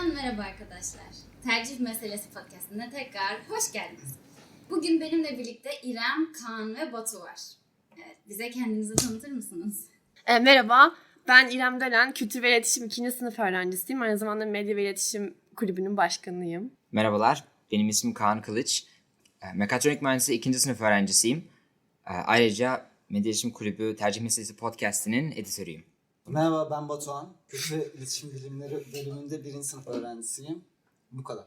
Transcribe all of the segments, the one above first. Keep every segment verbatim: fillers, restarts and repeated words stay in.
Herkesten merhaba arkadaşlar. Tercih Meselesi Podcast'ine tekrar hoş geldiniz. Bugün benimle birlikte İrem, Kaan ve Batu var. Evet, bize kendinizi tanıtır mısınız? E, merhaba, ben İrem Dölen, Kültür ve İletişim ikinci sınıf öğrencisiyim. Aynı zamanda Medya ve İletişim Kulübü'nün başkanıyım. Merhabalar, benim ismim Kaan Kılıç. Mekatronik Mühendisliği ikinci sınıf öğrencisiyim. Ayrıca Medya İletişim Kulübü Tercih Meselesi Podcast'inin editörüyüm. Merhaba, ben Batuhan. Kültür ve İletişim Bilimleri bölümünde birinci sınıf öğrencisiyim. Bu kadar.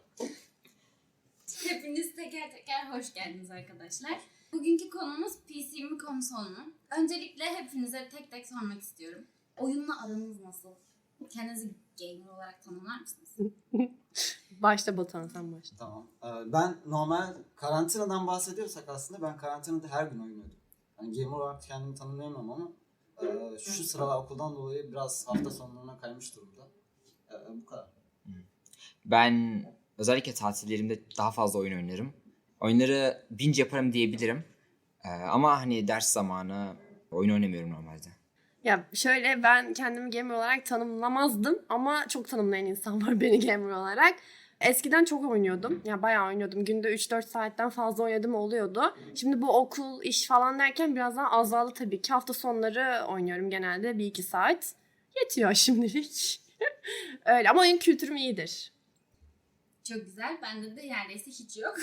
Hepiniz teker teker hoş geldiniz arkadaşlar. Bugünkü konumuz P C mi konsol mu? Öncelikle hepinize tek tek sormak istiyorum. Oyunla aranız nasıl? Kendinizi gamer olarak tanımlar mısınız? Başta Batuhan, sen başla. Tamam. Ee, Ben normal karantinadan bahsediyorsak aslında ben karantinada her gün oynuyordum. Yani gamer olarak kendimi tanımlayamam ama e, şu sıralar okuldan dolayı biraz hafta sonlarına kaymış durumda. E, bu kadar. Ben özellikle tatillerimde daha fazla oyun oynarım. Oyunları binge yaparım diyebilirim. Ama hani ders zamanı oyun oynamıyorum normalde. Ya şöyle, ben kendimi gamer olarak tanımlamazdım ama çok tanımlayan insan var beni gamer olarak. Eskiden çok oynuyordum. Ya bayağı oynuyordum. Günde üç dört saatten fazla oynadım oluyordu. Şimdi bu okul, iş falan derken biraz daha azaldı tabii ki. Hafta sonları oynuyorum genelde bir iki saat. Yetiyor şimdilik. Öyle ama oyun kültürüm iyidir. Çok güzel. Bende de neredeyse hiç yok.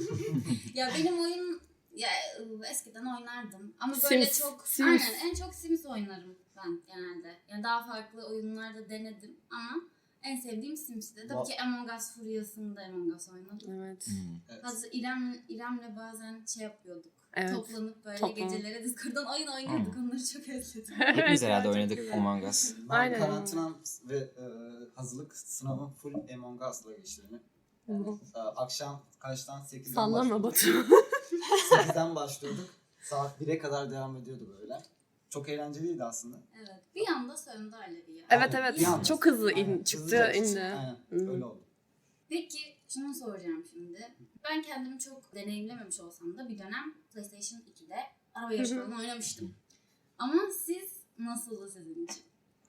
Ya benim oyun ya eskiden oynardım ama böyle Sims, çok Sims. aynen en çok Sims oynarım ben genelde. Yani daha farklı oyunlarda denedim ama en sevdiğim Sims'ti. Tabii ki Among Us furyasında Among Us oynadım. Evet. Hmm. Evet. Hazır İrem İrem'le bazen şey yapıyorduk. Evet. Toplanıp böyle Toplanıp. gecelere Discord'dan oyun oynuyorduk. Onları çok özledim. Hepimiz herhalde Çok oynadık güzel. Among Us. Ben Aynen. karantinam ve e, hazırlık sınavım full Among Us'la geçti benim. Yani, e, akşam kaçtan? sekizden Sallama başlıyorduk. Batu. sekizden başlıyorduk. Saat bire kadar devam ediyordu böyle. Çok eğlenceliydi aslında. Evet. Bir anda söndü Alevi ya. Evet Aynen. evet. Bir anda. Çok hızlı in, Aynen. çıktı, Hızlıca çıktı. indi. Aynen. Hı. Öyle oldu. Peki şunu soracağım şimdi. Ben kendimi çok deneyimlememiş olsam da bir dönem PlayStation ikide araba yarışı falan oynamıştım. Ama siz nasıldı sizin için?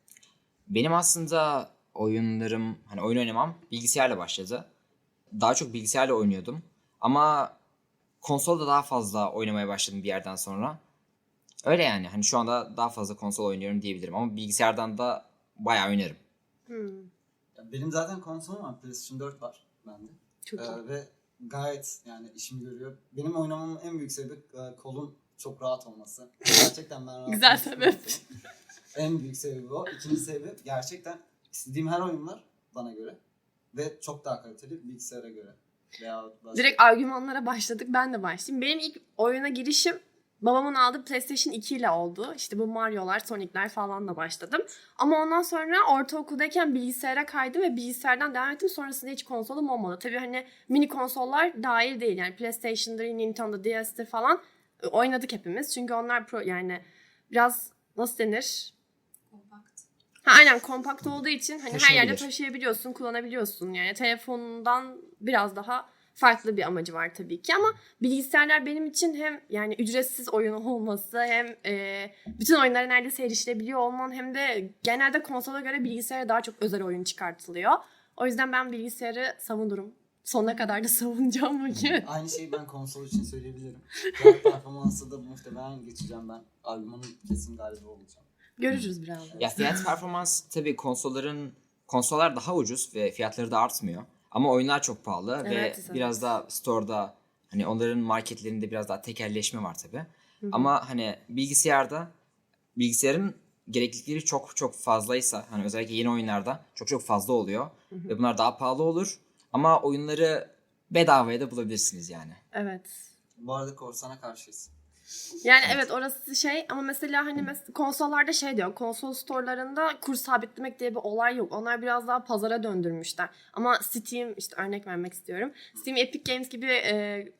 Benim aslında oyunlarım, hani oyun oynamam bilgisayarla başladı. Daha çok bilgisayarla oynuyordum. Ama konsolda daha fazla oynamaya başladım bir yerden sonra. Öyle yani. Hani şu anda daha fazla konsol oynuyorum diyebilirim. Ama bilgisayardan da bayağı oynarım. Hmm, Ya benim zaten konsolum var. PlayStation dört var bende. çok iyi. Ee, ve gayet yani işimi görüyor. Benim oynamamın en büyük sebebi e, kolum çok rahat olması. Gerçekten ben rahat Güzel olmak sebep. istiyorum. En büyük sebebi o. İkinci sebebi gerçekten istediğim her oyunlar bana göre. Ve çok daha kaliteli bilgisayara göre. Veya başka- Direkt argümanlara başladık. Ben de başlayayım. Benim ilk oyuna girişim babamın aldığı PlayStation iki ile oldu. İşte bu Mario'lar, Sonic'ler falan da başladım. Ama ondan sonra ortaokuldayken bilgisayara kaydım ve bilgisayardan devam ettim. Sonrasında hiç konsolum olmadı. Tabii hani mini konsollar dahil değil. Yani PlayStation'dır, Nintendo D S'tir falan oynadık hepimiz. Çünkü onlar pro, yani biraz nasıl denir? Kompakt. Ha, aynen kompakt olduğu için hani her yerde Taşınabilir. taşıyabiliyorsun, kullanabiliyorsun. Yani telefonundan biraz daha farklı bir amacı var tabii ki ama bilgisayarlar benim için hem yani ücretsiz oyun olması hem e, bütün oyunlara neredeyse erişilebiliyor olman hem de genelde konsola göre bilgisayara daha çok özel oyun çıkartılıyor. O yüzden ben bilgisayarı savunurum. Sonuna kadar da savunacağım bugün. Aynı şeyi ben konsol için söyleyebilirim. Fiyat performansı da muhtemelen geçeceğim ben. Argümanın kesin galibi olacağım. Görürüz birazdan. Ya fiyat performans tabii konsolların konsollar daha ucuz ve fiyatları da artmıyor. Ama oyunlar çok pahalı Evet, ve evet. biraz daha store'da hani onların marketlerinde biraz daha tekelleşme var tabii. Ama hani bilgisayarda bilgisayarın gereklilikleri çok çok fazlaysa hani özellikle yeni oyunlarda çok çok fazla oluyor ve bunlar daha pahalı olur. Ama oyunları bedavaya da bulabilirsiniz yani. Evet. Bu arada korsana karşıyız. Yani evet orası şey ama mesela hani mes- konsollarda şey diyor, konsol storelarında kur sabitlemek diye bir olay yok. Onlar biraz daha pazara döndürmüşler. Ama Steam, işte örnek vermek istiyorum. Steam, Epic Games gibi e,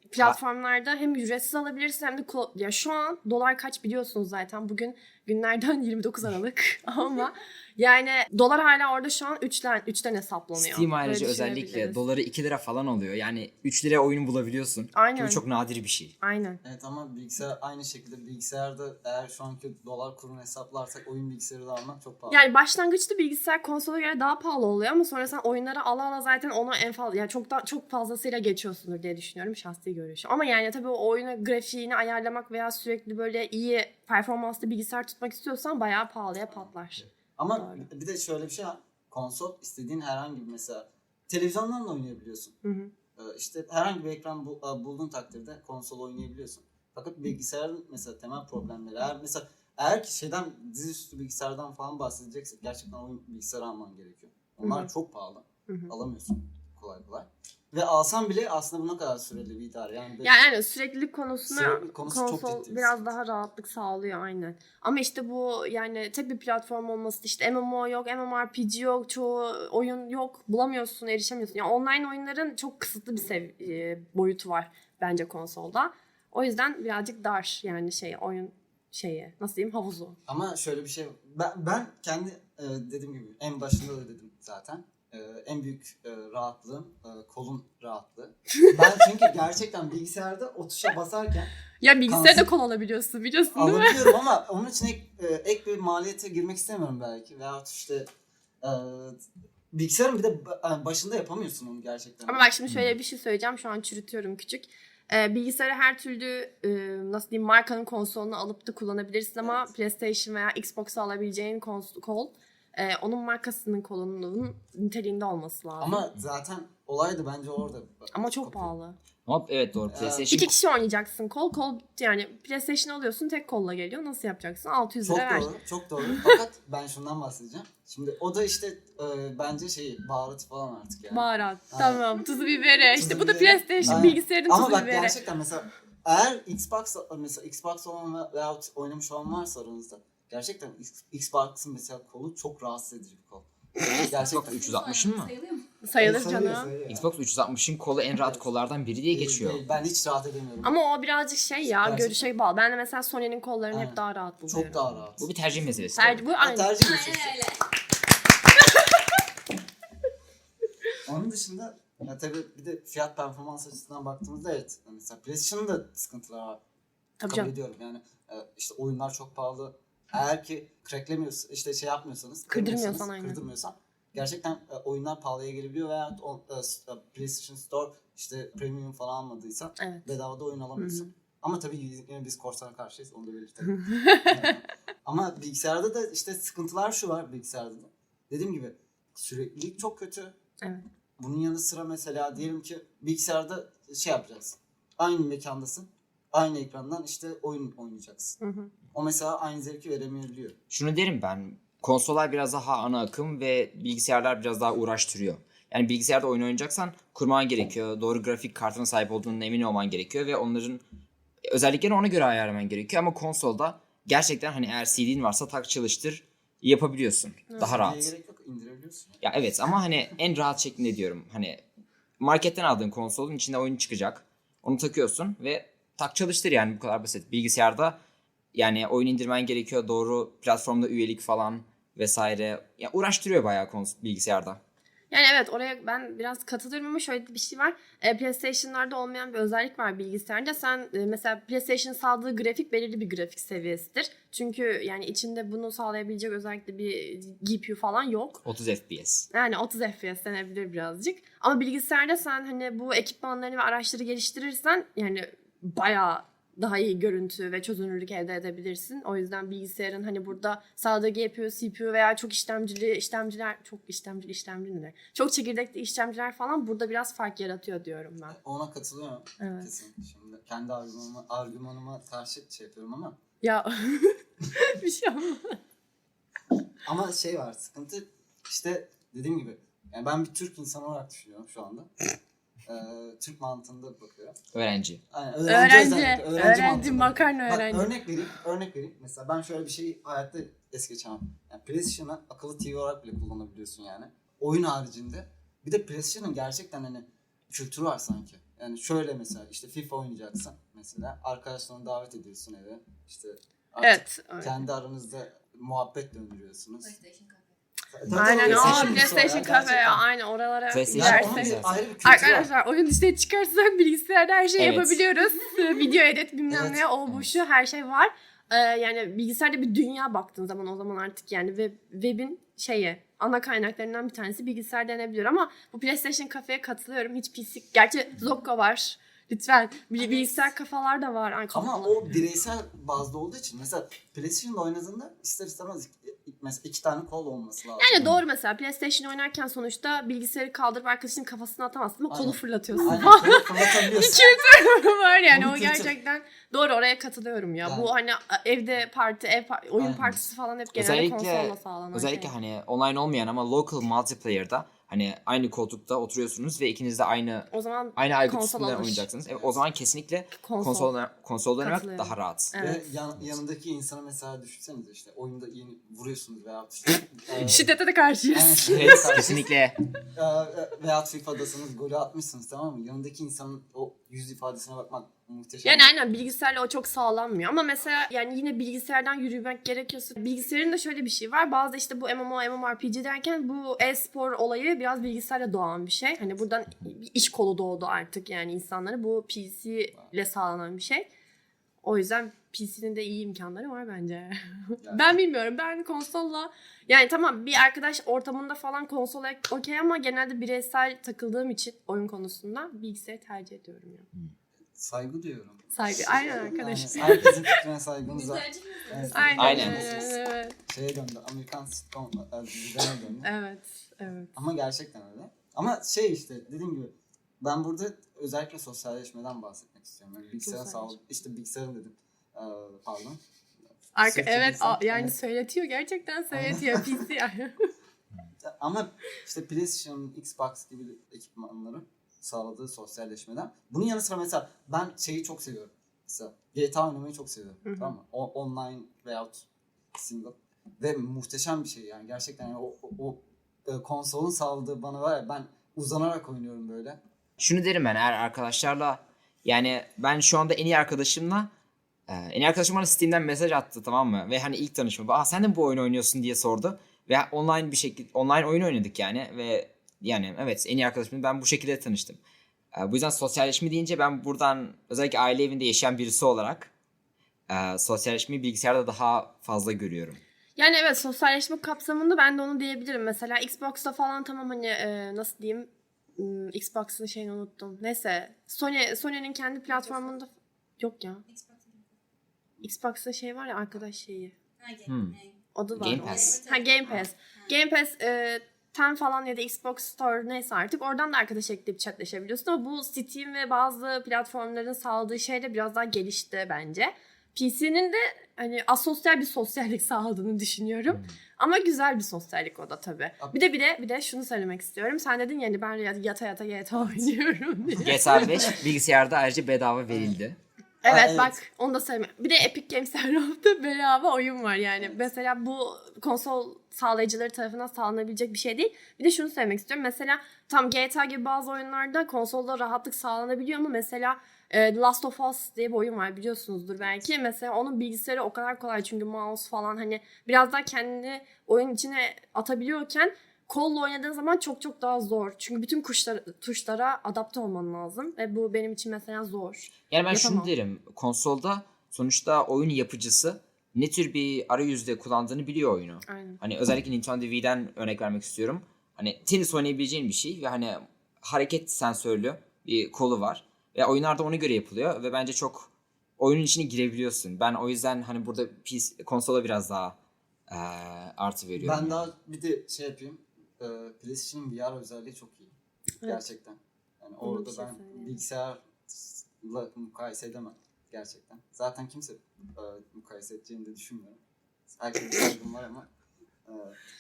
platformlarda hem ücretsiz alabilirsin hem de klo- ya şu an dolar kaç biliyorsunuz zaten. Bugün günlerden yirmi dokuz Aralık ama yani dolar hala orada şu an üçten üçten hesaplanıyor. Steam ayrıca Böyle özellikle düşünebiliriz. doları iki lira falan oluyor. Yani üç liraya oyunu bulabiliyorsun. Aynen. Bu çok nadir bir şey. Aynen. Evet ama bilgisayar aynı şekilde bilgisayarda eğer şu anki dolar kurunu hesaplarsak oyun bilgisayarı da almak çok pahalı. Yani başlangıçta bilgisayar konsola göre daha pahalı oluyor ama sonra sen oyunları ala ala zaten onu en fazla yani çok da çok fazlasıyla geçiyorsundur diye düşünüyorum şahsi görüşüm. Ama yani tabii o oyunu grafiğini ayarlamak veya sürekli böyle iyi performanslı bilgisayar tutmak istiyorsan bayağı pahalıya patlar. Ama Doğru. bir de şöyle bir şey var. Konsol istediğin herhangi bir mesela televizyondan da oynayabiliyorsun. Hı hı. Ee, işte herhangi bir ekran bu, e, bulduğun takdirde konsol oynayabiliyorsun. Fakat bilgisayarın mesela temel problemleri eğer mesela eğer ki şeyden dizüstü bilgisayardan falan bahsedeceksek gerçekten oyun bilgisayarı alman gerekiyor. Onlar Hı hı. çok pahalı. Hı hı. Alamıyorsun kolay kolay. Ve alsan bile aslında bu ne kadar süreli bir idare. Yani, Yani aynen süreklilik konusunda Süreklilik konusu çok konsol ciddi bir biraz sıkıntı. daha rahatlık sağlıyor aynen. Ama işte bu yani tek bir platform olması işte M M O yok, MMORPG yok, çoğu oyun yok, bulamıyorsun, erişemiyorsun. Yani online oyunların çok kısıtlı bir sev- e, boyutu var bence konsolda. O yüzden birazcık dar yani şey oyun şeyi nasıl diyeyim havuzu. Ama şöyle bir şey ben, ben kendi e, dediğim gibi en başında da dedim zaten. E, en büyük e, rahatlığım e, kolun rahatlığı. Ben çünkü gerçekten bilgisayarda o tuşa basarken Ya bilgisayarda Kanser- kol alabiliyorsun biliyorsun değil mi? alabiliyorum ama onun için ek, e, ek bir maliyete girmek istemiyorum belki. Veyahut işte e, bilgisayarın bir de ba- başında yapamıyorsun onu gerçekten. Ama bak şimdi şöyle bir şey söyleyeceğim. Şu an çürütüyorum küçük. Ee, bilgisayarı her türlü e, nasıl diyeyim markanın konsolunu alıp da kullanabilirsin ama Evet. PlayStation veya Xbox'a alabileceğin kons- kol e, onun markasının kolunun niteliğinde olması lazım. Ama, Ama zaten olay da bence orada. çok Kopuyor. pahalı. Ama evet doğru. Ee, PlayStation İki kişi oynayacaksın kol. Kol yani PlayStation alıyorsun tek kolla geliyor. Nasıl yapacaksın? altı yüz Çok lira ver. doğru, çok doğru. Fakat ben şundan bahsedeceğim. Şimdi o da işte e, bence şey baharatı falan artık yani. Baharat. Aynen. Tamam. Tuzu biberi. Tuzu İşte bu da biberi. PlayStation Aynen. bilgisayarın Ama tuzu bak biberi. gerçekten mesela eğer Xbox mesela Xbox olan ve- veyahut oynamış olan varsa aranızda gerçekten X- Xbox'ın mesela kolu çok rahatsız edici bir kol. Gerçekten üç yüz altmışın mı? Sayılıyor mu? Sayılır Sayılıyor, canım. sayılıyor. Xbox üç yüz altmışın kolu en rahat Evet. kollardan biri diye Değil, geçiyor. değil. Ben hiç rahat edemiyorum. Ama o birazcık şey ya Gerçekten. görüşe bağlı. Ben de mesela Sony'nin kollarını Aynen. hep daha rahat buluyorum. Çok daha rahat. Bu bir tercih meselesi. Tercih, bu O aynı. tercih meselesi. Aynen öyle. Onun dışında ya tabii bir de fiyat performans açısından baktığımızda evet mesela PlayStation'ın da sıkıntıları var. Tabii Kabul canım. ediyorum yani e, işte oyunlar çok pahalı. Eğer ki cracklemiyorsanız işte şey yapmıyorsanız Kırdırmıyorsan kırmıyorsanız, aynen. kırdırmıyorsan gerçekten e, oyunlar pahalıya gelebiliyor veya o, e, s- e, PlayStation Store işte premium falan almadıysan Evet. bedavada oyun alamıyorsun. Hı hı. Ama tabii yine biz korsana karşıyız onu da belirtelim. Yani. Ama bilgisayarda da işte sıkıntılar şu var bilgisayarda da. Dediğim gibi süreklilik çok kötü. Evet. Bunun yanı sıra mesela diyelim ki bilgisayarda şey yapacaksın. Aynı mekandasın. Aynı ekrandan işte oyun oynayacaksın. Hı hı. O mesela aynı zevki veremeyebiliyor. Şunu derim ben. Konsollar biraz daha ana akım ve bilgisayarlar biraz daha uğraştırıyor. Yani bilgisayarda oyun oynayacaksan kurman gerekiyor. Doğru grafik kartına sahip olduğunun emin olman gerekiyor ve onların özelliklerini ona göre ayarlaman gerekiyor. Ama konsolda gerçekten hani eğer C D'in varsa tak çalıştır yapabiliyorsun. Daha Diye rahat. gerek yok indirebiliyorsun. Ya evet ama hani en rahat şeklinde diyorum. Hani marketten aldığın konsolun içinde oyun çıkacak. Onu takıyorsun ve tak çalıştır yani bu kadar basit. Bilgisayarda yani oyun indirmen gerekiyor. Doğru platformda üyelik falan vesaire. Ya uğraştırıyor bayağı kons- bilgisayarda. Yani evet oraya ben biraz katılıyorum ama şöyle bir şey var. E, PlayStation'larda olmayan bir özellik var bilgisayarda. Sen e, mesela PlayStation sağladığı grafik belirli bir grafik seviyesidir. Çünkü yani içinde bunu sağlayabilecek özellikle bir G P U falan yok. otuz F P S. Yani otuz F P S denebilir birazcık. Ama bilgisayarda sen hani bu ekipmanlarını ve araçları geliştirirsen yani bayağı daha iyi görüntü ve çözünürlük elde edebilirsin. O yüzden bilgisayarın hani burada sağladığı G P U, C P U veya çok işlemcili işlemciler, çok işlemcili işlemci ne? Çok çekirdekli işlemciler falan burada biraz fark yaratıyor diyorum ben. Ona katılıyorum. Evet. Kesinlikle. Şimdi kendi argümanıma, argümanıma karşı şey yapıyorum ama Ya bir şey olmaz. ama şey var sıkıntı işte dediğim gibi yani ben bir Türk insanı olarak düşünüyorum şu anda. Ee, Türk mantığında bakıyorum. Öğrenci. Aynen, Öğrenci, özellikle, öğrenci, mantığında. makarna Bak, öğrenci. örnek vereyim, örnek vereyim. Mesela ben şöyle bir şeyi hayatta es geçemem. Yani PlayStation'ı akıllı T V olarak bile kullanabiliyorsun yani. Oyun haricinde. Bir de PlayStation'ın gerçekten hani kültürü var sanki. Yani şöyle mesela işte FIFA oynayacaksın mesela arkadaşlarını davet ediyorsun eve işte artık Evet. öyle. kendi aranızda muhabbet döndürüyorsunuz. PlayStation Cafe. Tabii Aynen o o PlayStation PlayStation Cafe Cafe ya aynen oralara PlayStation Yani onun gidersek. bir ayrı bir kültürü var. Arkadaşlar oyun listeye çıkarsak bilgisayarda her şeyi Evet. yapabiliyoruz. Video edit bilmem Evet. ne o bu şu her şey var. Ee, yani bilgisayarda bir dünya baktığın zaman o zaman artık yani web, webin şeyi ana kaynaklarından bir tanesi bilgisayar denebilir ama bu PlayStation Cafe'ye katılıyorum. Hiç P C gerçi Zocco var. Lütfen. Bil- Bilgisayar kafalar da var. Ay, Ama kafalar. o bireysel bazda olduğu için mesela PlayStation'da oynadığında ister istemez mesela iki tane kol olması lazım. Yani doğru mesela PlayStation oynarken sonuçta bilgisayarı kaldırıp arkadaşının kafasına atamazsın ama kolu Aynen. fırlatıyorsun. Aynen böyle fırlatabiliyorsun. var yani Bunu o kültür. gerçekten doğru oraya katılıyorum ya. Yani- Bu hani evde parti, ev par- oyun Aynen. partisi falan hep genelde Özellikle konsolla sağlanan özellikle şey. hani online olmayan ama local multiplayer'da hani aynı koltukta oturuyorsunuz ve ikiniz de aynı O zaman aynı aygıt konsol üstünde alır. oynayacaksınız. Evet, o zaman kesinlikle Konsol. konsol konsolda oynamak Katılıyorum. daha rahat. Evet. Ve yan, yanındaki insanı mesela düşünsenize işte oyunda yeni vuruyorsunuz veya işte e, Şiddete de karşıyız. yani Evet, kesinlikle. e, veya FIFA'dasınız golü atmışsınız tamam mı? Yanındaki insanın o yüz ifadesine bakmak muhteşem. Yani aynen bilgisayarla o çok sağlanmıyor ama mesela yani yine bilgisayardan yürümek gerekiyorsa bilgisayarın da şöyle bir şey var. Bazı işte bu M M O, MMORPG derken bu e-spor olayı biraz bilgisayarla doğan bir şey. Hani buradan bir iş kolu doğdu artık yani insanlara. Bu P C ile sağlanan bir şey. O yüzden P C'nin de iyi imkanları var bence. Yani- Ben bilmiyorum. Ben konsolla yani tamam bir arkadaş ortamında falan konsol okey ama genelde bireysel takıldığım için oyun konusunda bilgisayarı tercih ediyorum ya. Saygı duyuyorum. Saygı. Aynen arkadaş. Yani herkesin fikrine saygımız var. Güzelce mi? Evet. Aynen. Aynen. Evet. Şeye döndü. Amerikan sitcom e, dizilerine döndü. Evet. Evet. Ama gerçekten öyle. Ama şey işte dediğim gibi ben burada özellikle sosyalleşmeden bahsetmek istiyorum. Yani bilgisayarın Sosyalleşme. sağlık, işte bilgisayarın dedim. Ee, pardon. Arka, Sırf evet bilgisayar- a- yani Evet. söyletiyor gerçekten söyletiyor P C. Ama işte PlayStation, Xbox gibi ekipmanların sağladığı sosyalleşmeden. Bunun yanı sıra mesela ben şeyi çok seviyorum. Mesela G T A oynamayı çok seviyorum. Hı hı. Tamam mı? O, online veyahut single. Ve muhteşem bir şey yani. Gerçekten yani o, o, o e, konsolun sağladığı bana var ya ben uzanarak oynuyorum böyle. Şunu derim ben eğer arkadaşlarla yani ben şu anda en iyi arkadaşımla e, en iyi arkadaşım bana Steam'den mesaj attı tamam mı? Ve hani ilk tanışma. Aa sen de mi bu oyunu oynuyorsun diye sordu. Ve online bir şekilde online oyun oynadık yani ve yani evet en iyi arkadaşımla ben bu şekilde tanıştım. E, bu yüzden sosyalleşme deyince ben buradan özellikle aile evinde yaşayan birisi olarak e, sosyalleşmeyi bilgisayarda daha fazla görüyorum. Yani evet sosyalleşme kapsamında ben de onu diyebilirim. Mesela Xbox'ta falan tamam hani e, nasıl diyeyim hmm, Xbox'ın şeyini unuttum. Neyse Sony Sony'nin kendi platformunda yok ya. Xbox'ta şey var ya arkadaş şeyi. Ha, gel- Hmm. gel. Adı var. Game Pass. Ha Game Pass. Game Pass e, Ten falan ya da Xbox Store neyse artık oradan da arkadaş ekleyip chatleşebiliyorsun ama bu Steam ve bazı platformların sağladığı şey de biraz daha gelişti bence. P C'nin de hani asosyal bir sosyallik sağladığını düşünüyorum. Ama güzel bir sosyallik o da tabii. Bir de bir de bir de şunu söylemek istiyorum. Sen dedin yani ben yata yata G T A oynuyorum diye. G T A beş bilgisayarda ayrıca bedava verildi. Evet, evet. bak onu da söyleme. Bir de Epic Games her hafta bedava oyun var yani. Mesela bu konsol sağlayıcıları tarafından sağlanabilecek bir şey değil. Bir de şunu söylemek istiyorum. Mesela tam G T A gibi bazı oyunlarda konsolda rahatlık sağlanabiliyor ama mesela e, The Last of Us diye bir oyun var biliyorsunuzdur belki. Mesela onun bilgisayarı o kadar kolay çünkü mouse falan hani biraz daha kendini oyun içine atabiliyorken kolla oynadığın zaman çok çok daha zor. Çünkü bütün kuşlar, tuşlara adapte olman lazım. Ve bu benim için mesela zor. Yani ben Yapamam. şunu derim. Konsolda sonuçta oyun yapıcısı ne tür bir arayüzde kullandığını biliyor oyunu. Aynen. Hani özellikle Nintendo Wii'den örnek vermek istiyorum. Hani tenis oynayabileceğin bir şey ve hani hareket sensörlü bir kolu var. Ve oyunlarda ona göre yapılıyor ve bence çok oyunun içine girebiliyorsun. Ben o yüzden hani burada P C, konsola biraz daha eee, artı veriyorum. Ben daha bir de şey yapayım. E, PlayStation'ın V R özelliği çok iyi. Evet. Gerçekten. Yani Ona orada bir şey ben söyleyeyim. bilgisayarla mukayese edemem. Gerçekten. Zaten kimse e, mukayese edeceğini de düşünmüyorum. Herkesin saygım var ama e,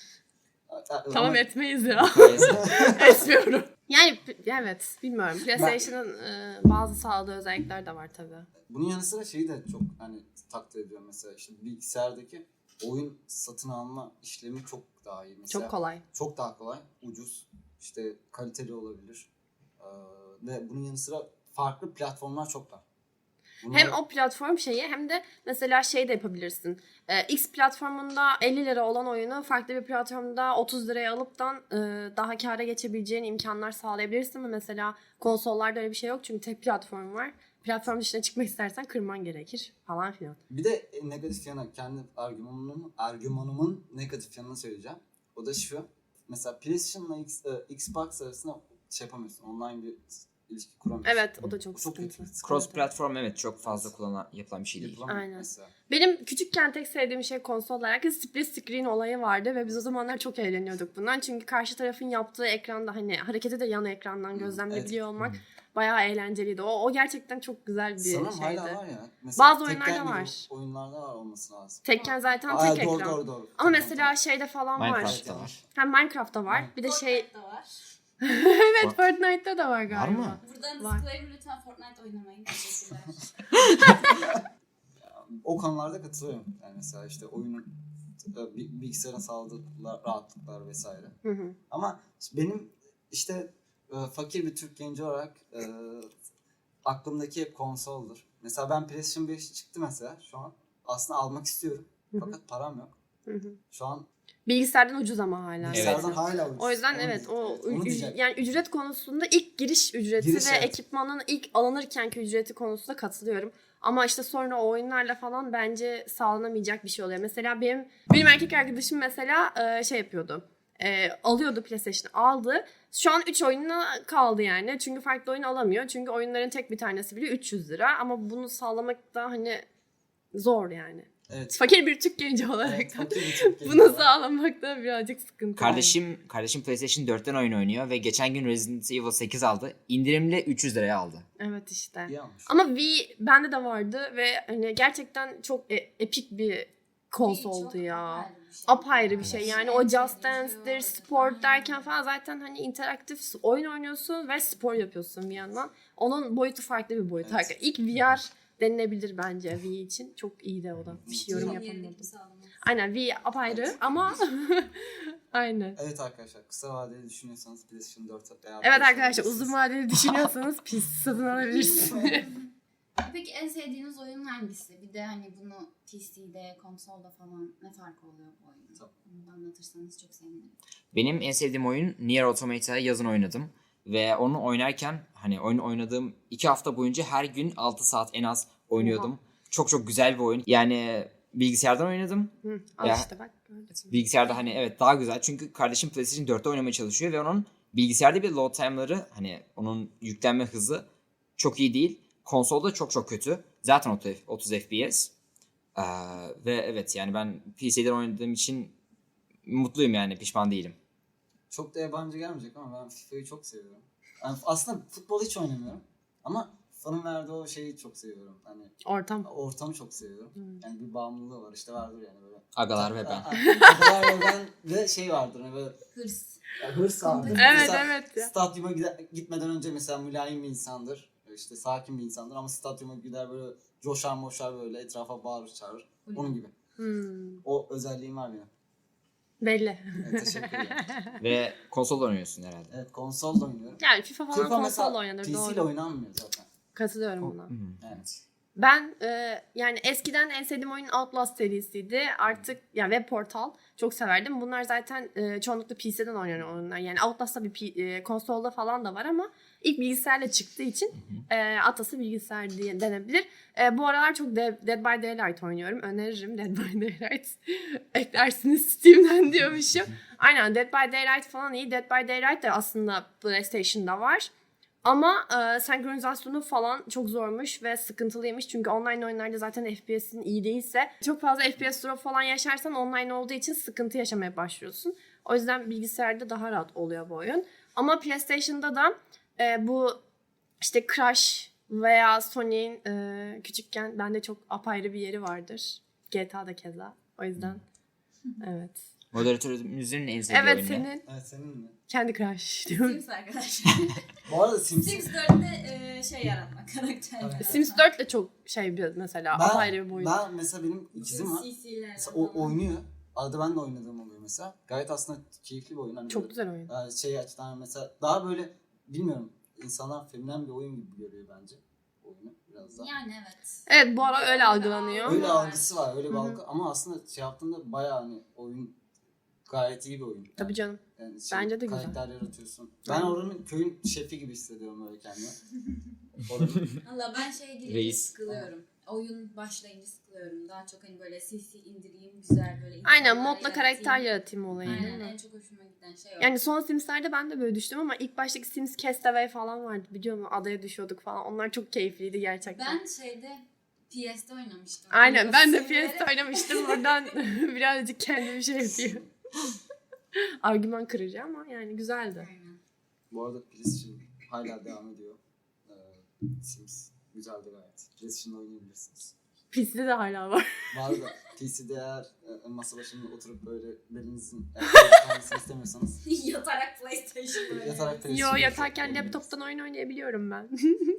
a- Tamam ama- etmeyiz ya. Mukayese. Etmiyorum. Yani p- evet bilmiyorum. PlayStation'ın e, bazı sağladığı özellikler de var tabii. Bunun yanı sıra şeyi de çok hani takdir ediyorum mesela işte bilgisayardaki oyun satın alma işlemi çok daha iyi. Mesela Çok kolay. Çok daha kolay, ucuz, işte kaliteli olabilir. Ee, ve bunun yanı sıra farklı platformlar çok var. Bunlar- Hem o platform şeyi hem de mesela şey de yapabilirsin. Ee, X platformunda elli lira olan oyunu farklı bir platformda otuz liraya alıptan e, daha kâra geçebileceğin imkanlar sağlayabilirsin mi? Mesela konsollarda öyle bir şey yok çünkü tek platform var. Platform dışına çıkmak istersen kırman gerekir falan filan. Bir de e, negatif yanı, kendi argümanımın, argümanımın negatif yanını söyleyeceğim. O da şu. Mesela PlayStation'la X, e, Xbox arasında şey yapamıyorsun. Online bir ilişki kuramıyorsun. Evet o da çok Bu çok sıkıntı. kötü. Cross Evet. platform evet çok fazla kullanan yapılan bir şey değil. Yapılamıyor Aynen. mesela. Benim küçükken tek sevdiğim şey konsolda herkes split screen olayı vardı ve biz o zamanlar çok eğleniyorduk bundan. Çünkü karşı tarafın yaptığı ekranda hani hareketi de yan ekrandan Hı, gözlemleyebiliyor evet. olmak bayağı eğlenceliydi. O, o gerçekten çok güzel bir Sanırım şeydi. hala var ya. Mesela Bazı Tekken oyunlarda gibi var. Oyunlarda var olması lazım. Tekken zaten Aa, tek doğru, ekran. doğru doğru. Ama Tamam, mesela tamam. şeyde falan var. Minecraft'ta var. Hem Minecraft'ta var. Hı. Bir de şey Fortnite'da var. evet Fortnite'da da var galiba. mı? Buradan Var. disclaimer lütfen Fortnite oynamayın. Teşekkürler. O konularda katılıyorum. Yani mesela işte oyunun e, bi- bilgisayarın sağladığı rahatlıklar vesaire. Hı hı. Ama benim işte e, fakir bir Türk genci olarak e, aklımdaki hep konsoldur. Mesela ben PlayStation beş çıktı mesela şu an. Aslında almak istiyorum. Hı hı. Fakat param yok. Hı hı. Şu an Bilgisayardan ucuz ama hala. bilgisayardan Evet. hala ucuz. O yüzden Onu evet diye- o evet, onu üc- diyecektim. yani ücret konusunda ilk giriş ücreti Giriş, ve evet. ekipmanın ilk alınırkenki ücreti konusunda katılıyorum. Ama işte sonra o oyunlarla falan bence sağlanamayacak bir şey oluyor. Mesela benim benim erkek arkadaşım mesela e, şey yapıyordu. E, alıyordu PlayStation'ı aldı. Şu an üç oyununa kaldı yani. Çünkü farklı oyun alamıyor. Çünkü oyunların tek bir tanesi bile üç yüz lira. Ama bunu sağlamak da hani zor yani. Evet. Fakir bir Türk genci olarak Evet, da fakir bir Türk genci bunu olarak. sağlamak da birazcık sıkıntı. Kardeşim kardeşim PlayStation dörtten oyun oynuyor ve geçen gün Resident Evil sekiz aldı. İndirimle üç yüz liraya aldı. Evet işte. İyi olmuş. Ama Wii bende de vardı ve hani gerçekten çok e- epik bir konsoldu Çok ya. apayrı bir şey. Apayrı bir şey. Evet. Yani En o sevdiğim Just şey Dance'dir, oydu. spor Aynen. derken falan zaten hani interaktif oyun oynuyorsun ve spor yapıyorsun bir yandan. Onun boyutu farklı bir boyut. Evet. Evet. İlk V R denilebilir bence Wii için. Çok iyiydi o da. Bir şey yorum Çok yapamadım. yenilik sağlamak. Aynen Wii apayrı ama aynen. Evet arkadaşlar, kısa vadeli düşünüyorsanız PlayStation dört veya Evet beş arkadaşlar alabilirsiniz. uzun vadeli düşünüyorsanız pis satın alabilirsiniz. Peki en sevdiğiniz oyun hangisi? Bir de hani bunu P C'de, konsolda falan ne farkı oluyor bu oyunun? Tabii. Bunu da anlatırsanız çok sevinirim. Benim en sevdiğim oyun Nier Automata'yı yazın oynadım. Ve onu oynarken hani oyun oynadığım iki hafta boyunca her gün altı saat en az oynuyordum. Oha. Çok çok güzel bir oyun. Yani bilgisayardan oynadım. Hı, al Ya. işte bak. gördün. Bilgisayarda hani evet daha güzel. Çünkü kardeşim PlayStation dörtte oynamaya çalışıyor ve onun bilgisayarda bir load time'ları hani onun yüklenme hızı çok iyi değil. Konsolda çok çok kötü. Zaten otuz F P S. Ee, ve evet yani ben P C'den oynadığım için mutluyum yani pişman değilim. Çok da yabancı gelmeyecek ama ben FIFA'yı çok seviyorum. Yani aslında futbol hiç oynamıyorum. Ama FIFA'nın verdiği o şeyi çok seviyorum. Hani Ortam. ortamı çok seviyorum. Hmm. Yani bir bağımlılığı var işte, vardır yani böyle. Agalar ve ben. Agalar ve ben ve şey vardır hani böyle Hırs. ya hırs vardır. Evet Mesela evet ya. stadyuma gide- gitmeden önce mesela mülayim bir insandır. İşte sakin bir insandır ama stadyuma gider böyle coşar moşar böyle etrafa bağırır çağırır. Onun gibi. Hmm, O özelliğim var benim. belli. Evet, teşekkür ederim. Ve konsolda oynuyorsun herhalde. Evet, konsolda oynuyorum. Yani FIFA falan FIFA konsolla mesela oynanır P C ile doğru. oynanmıyor zaten. Katılıyorum buna. Evet. Ben e, yani eskiden en sevdiğim oyun Outlast serisiydi. Artık yani web portal çok severdim. Bunlar zaten e, çoğunlukla P C'den oynanan oyunlar. Yani Outlast'ta bir P- e, konsolda falan da var ama ilk bilgisayarla çıktığı için e, atası bilgisayar diye denebilir. E, bu aralar çok Dead, Dead by Daylight oynuyorum. Öneririm Dead by Daylight. Eklersiniz Steam'den diyormuşum. Aynen Dead by Daylight falan iyi. Dead by Daylight de aslında PlayStation'da var. Ama e, senkronizasyonu falan çok zormuş ve sıkıntılıymış. Çünkü online oyunlarda zaten F P S'in iyi değilse çok fazla F P S drop falan yaşarsan online olduğu için sıkıntı yaşamaya başlıyorsun. O yüzden bilgisayarda daha rahat oluyor bu oyun. Ama PlayStation'da da e, bu işte Crash veya Sony'in e, küçükken bende çok apayrı bir yeri vardır. G T A'da keza. O yüzden evet. Moderatörümüzün en sevdiği Evet oyunu. senin Evet, senin mi? kendi Crash diyorum. Sims arkadaşlar. Bu arada Sims. Sims dörtte e, şey yaratmak, karakter yaratmak. Sims dört de çok şey bir mesela apayrı bir boyut. Ben mesela benim ikizim var. C C'ler Mesela o falan. oynuyor. Arada ben de oynadığım oluyor mesela. Gayet aslında keyifli bir oyun. Hani Çok böyle, güzel oyun. e, şey açıdan mesela daha böyle bilmiyorum. insanlar feminen bir oyun gibi görüyor bence oyunu biraz daha. Yani evet. Evet bu ara öyle algılanıyor. Öyle var. algısı var, öyle bir Hı hı. algı ama aslında şey yaptığında bayağı hani oyun gayet iyi bir oyun. Yani, Tabii canım. yani şey, Bence de güzel. karakter yaratıyorsun. Ben oranın köyün şefi gibi hissediyorum öyle kendimi. Oranın Valla ben şeye girince Reis. sıkılıyorum. Oyun başlayınca sıkılıyorum. Daha çok hani böyle C C indireyim güzel böyle. Aynen insanlar modla karakter yaratayım. yaratayım olayı değil Aynen mi? en çok hoşuma giden şey o. Yani son Sims'lerde ben de böyle düştüm ama ilk baştaki Sims Castaway falan vardı biliyor musun? Adaya düşüyorduk falan. Onlar çok keyifliydi gerçekten. Ben şeyde P S'te oynamıştım. Aynen ben de Severek. P S'te oynamıştım. Buradan birazcık kendimi şey yapıyor. Argüman kırıcı ama yani güzeldi. Aynen. bu arada PlayStation hala devam ediyor. Ee, Sims güzeldi gayet. PlayStation'da oynayabilirsiniz. P C'de de hala var. Var da P C'de eğer e, masa başında oturup böyle belinizin kalmasını istemiyorsanız Yatarak PlayStation böyle. yatarak Yo PlayStation yatarken oynayabilirsiniz. laptoptan oyun oynayabiliyorum ben.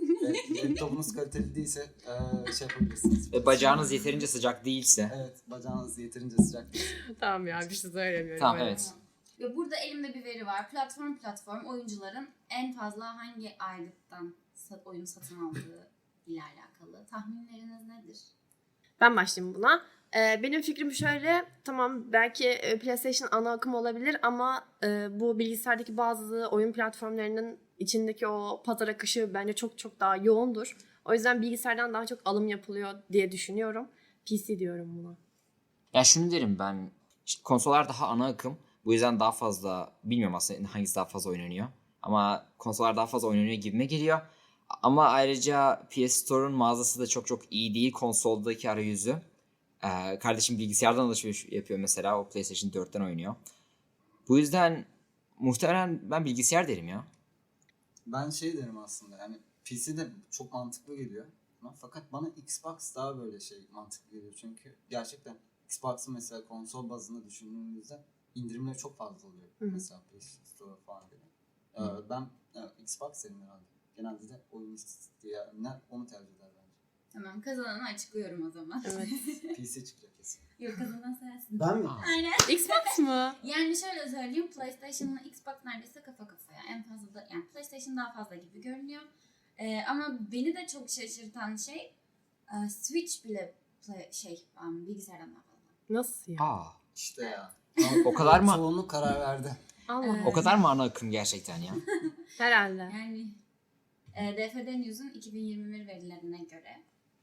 Ve laptopunuz kaliteli değilse e, şey yapabilirsiniz. Ve bacağınız yeterince sıcak değilse. Evet, bacağınız yeterince sıcak değil. Tamam ya bir şey söylemiyorum. Tamam, öyle. evet. Ve burada elimde bir veri var. Platform platform oyuncuların en fazla hangi aylıktan sa- oyun satın aldığı ile alakalı. Tahminleriniz nedir? Ben başlayayım buna. Ee, benim fikrim şöyle, tamam belki e, PlayStation ana akım olabilir ama e, bu bilgisayardaki bazı oyun platformlarının içindeki o pazar akışı bence çok çok daha yoğundur. O yüzden bilgisayardan daha çok alım yapılıyor diye düşünüyorum. P C diyorum buna. Ya şunu derim ben. işte konsollar daha ana akım. Bu yüzden daha fazla bilmiyorum aslında hangisi daha fazla oynanıyor. Ama konsollar daha fazla oynanıyor gibime geliyor. Ama ayrıca P S Store'un mağazası da çok çok iyi değil konsoldaki arayüzü. Ee, kardeşim bilgisayardan alışveriş yapıyor mesela. O PlayStation dörtten oynuyor. Bu yüzden muhtemelen ben bilgisayar derim ya. Ben şey derim aslında yani P C'de çok mantıklı geliyor. Ama fakat bana Xbox daha böyle şey mantıklı geliyor. Çünkü gerçekten Xbox'ın mesela konsol bazında düşündüğümüzde indirimleri çok fazla oluyor. Hı hı. Mesela PlayStation Store falan gibi. Ee, ben e, Xbox derim herhalde. Genelde de oyun isteyenler onu tercih eder bence. Tamam kazananı açıklıyorum o zaman. Evet. P C çıkacak kesin. Yok kazanan sensin. Ben mi? Aynen. Xbox mı? Yani şöyle söyleyeyim PlayStation'la Xbox neredeyse kafa kafaya. En fazla da yani PlayStation daha fazla gibi görünüyor. Ee, ama beni de çok şaşırtan şey e, Switch bile play, şey um, bilgisayardan daha fazla. Nasıl ya? Aa, İşte ya. o kadar mı? Çoğunluk karar verdi. Allah. Evet. O kadar mı ana akım gerçekten ya? Herhalde. Yani e, D F D News'un iki bin yirmi bir verilerine göre.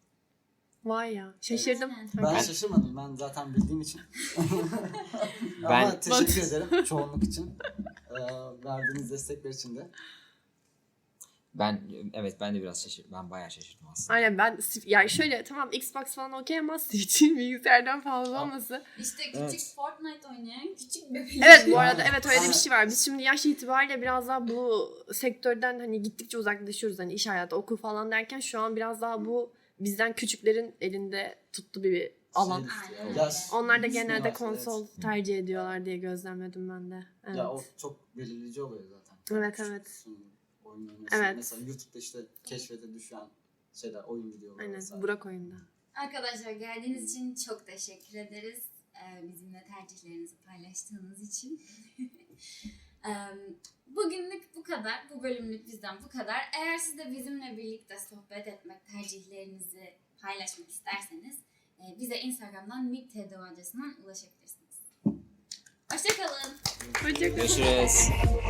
Vay ya. Şaşırdım. Evet. Ben Ben- şaşırmadım. Ben zaten bildiğim için. Ben- Ama teşekkür ederim çoğunluk için. Ee, verdiğiniz destekler için de. Ben evet ben de biraz şaşırdım. Ben bayağı şaşırdım aslında. Aynen ben yani şöyle tamam Xbox falan okey ama Switch'in bilgisayardan fazla olması. İşte küçük Evet. Fortnite oynayan küçük bebek. Evet bu Yani- arada evet öyle bir şey var. Biz şimdi yaş itibariyle biraz daha bu sektörden hani gittikçe uzaklaşıyoruz. Hani iş hayatı, okul falan derken şu an biraz daha bu bizden küçüklerin elinde tuttu bir alan. Şey, Aynen öyle. yaş- Onlar da Disney genelde var, konsol evet. tercih ediyorlar diye gözlemledim ben de. Evet. Ya o çok belirleyici oluyor zaten. Evet, Küçük evet. kısmın oyun oynuyorsun. Evet. Mesela YouTube'da işte keşfete düşen şeyler, oyun videoları. Aynen vesaire. Burak oyunda. Arkadaşlar geldiğiniz için çok teşekkür ederiz. Ee, bizimle tercihlerinizi paylaştığınız için. Ee, Bugünlük bu kadar. Bu bölümlük bizden bu kadar. Eğer siz de bizimle birlikte sohbet etmek, tercihlerinizi paylaşmak isterseniz e, bize Instagram'dan miktdo adresinden ulaşabilirsiniz. Hoşçakalın. Hoşçakalın. Görüşürüz.